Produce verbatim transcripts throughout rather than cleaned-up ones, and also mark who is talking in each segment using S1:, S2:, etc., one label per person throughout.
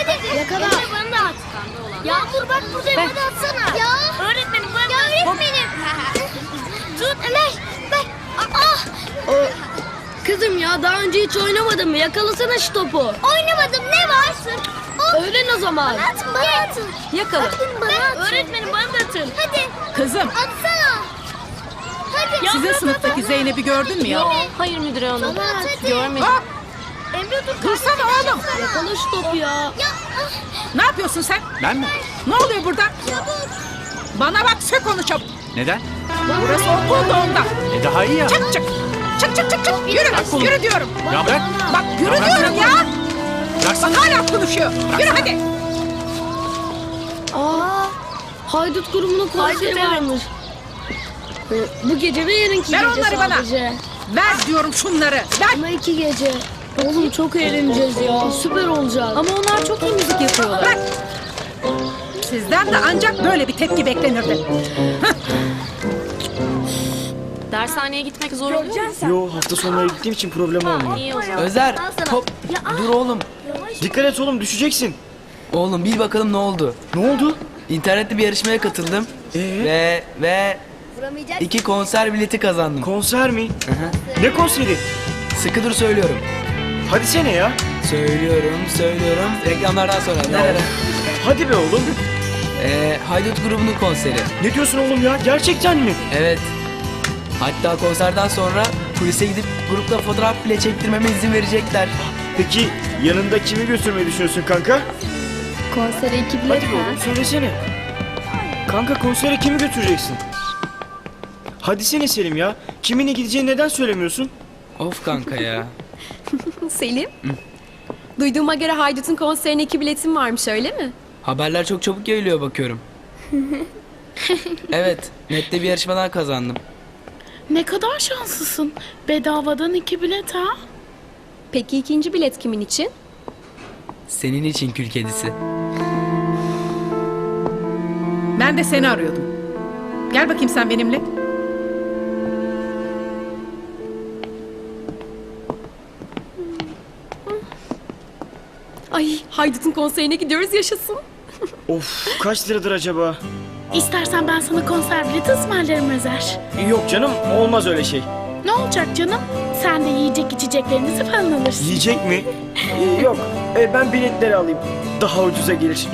S1: hadi. Yakala. Emre bana da at. Yağmur bak burada bana atsana. Ya. Öğretmenim bana da. Ya öğretmenim. Tut Ömer. Bak. Ah.
S2: Kızım ya daha önce hiç oynamadın mı? Yakalasana şu topu.
S1: Oynamadım ne var?
S2: Öğren o zaman.
S1: Bana atın bana atın.
S2: Yakala.
S1: Atın bana atın.
S2: Öğretmenim bana da atın.
S1: Hadi.
S3: Kızım,
S1: Atsana. Hadi.
S3: sizin sınıftaki Zeynep'i gördün mü ya?
S2: Hayır müdür hanım.
S1: Bana at hadi.
S2: Görmedim.
S3: Hop,
S1: Emre dur.
S3: dursana oğlum.
S2: Yakala şu topu ya.
S1: Ya.
S3: Ne yapıyorsun sen?
S4: Ben mi?
S3: Ne oluyor burada? Bana bak, sök onu çabuk.
S4: Neden?
S3: Burası okul da ondan.
S4: E daha iyi ya.
S3: Çık çık. Çık çık çık çık. Yürü, yürü diyorum.
S4: Ya bırak.
S3: Bak yürü
S4: Ya
S3: diyorum ya. Bak
S4: Bıraksana.
S3: hala konuşuyor. Yürü hadi.
S2: Aa, haydut grubunun konseri varmış. Ee, Bu gece ve yarınki
S3: Ver
S2: gece
S3: onları bana.
S2: sadece.
S3: Ver diyorum şunları. Ver.
S2: Ama iki gece. Oğlum çok eğleneceğiz ya. Süper olacak. Ama onlar çok iyi müzik yapıyorlar.
S3: Bırak. Sizden de ancak böyle bir tepki beklenirdi.
S5: Dershaneye gitmek zor oluyor mu?
S6: Yo, hafta sonları gittiğim için problem olmuyor.
S5: İyi o zaman.
S7: Özer, hop, dur oğlum.
S6: Dikkat et oğlum, düşeceksin.
S7: Oğlum bil bakalım ne oldu.
S6: Ne oldu?
S7: İnternette bir yarışmaya katıldım.
S6: Ee?
S7: Ve ve iki konser bileti kazandım.
S6: Konser mi? Ne konseri?
S7: Sıkı dur söylüyorum.
S6: Hadi sene ya.
S7: Söylüyorum, söylüyorum. Reklamlardan sonra. Nerede?
S6: Hadi be oğlum.
S7: Ee, Haydut grubunun konseri.
S6: Ne diyorsun oğlum ya? Gerçekten mi?
S7: Evet. Hatta konserden sonra kulise gidip grupla fotoğraf bile çektirmeme izin verecekler.
S6: Peki yanında kimi götürmeyi düşünüyorsun kanka?
S2: Konsere iki bilet
S6: Hadi be oğlum, söylesene. Kanka konsere kimi götüreceksin? Hadi sene Selim ya. Kiminle gideceğini neden söylemiyorsun?
S7: Of kanka ya.
S5: Selim, duyduğuma göre Haydut'un konserine iki biletin varmış öyle mi?
S7: Haberler çok çabuk yayılıyor bakıyorum. Evet, nette bir yarışmadan kazandım.
S8: Ne kadar şanslısın. Bedavadan iki bilet ha.
S5: Peki ikinci bilet kimin için?
S7: Senin için kül kedisi.
S3: Ben de seni arıyordum. Gel bakayım sen benimle.
S5: Ay, Haydut'un konserine gidiyoruz yaşasın.
S6: Of, kaç liradır acaba?
S8: İstersen ben sana konser bileti ısmarlarım Özer.
S6: Yok canım, olmaz öyle şey.
S8: Ne olacak canım? Sen de yiyecek içeceklerinizi falan alırsın.
S6: Yiyecek mi? Ee, yok, Ee, ben biletleri alayım. Daha ucuza gelir.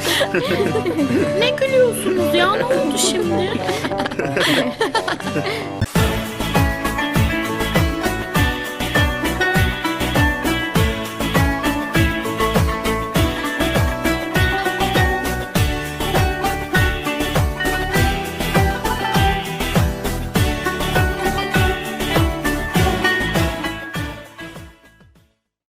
S8: Ne gülüyorsunuz ya? Ne oldu şimdi?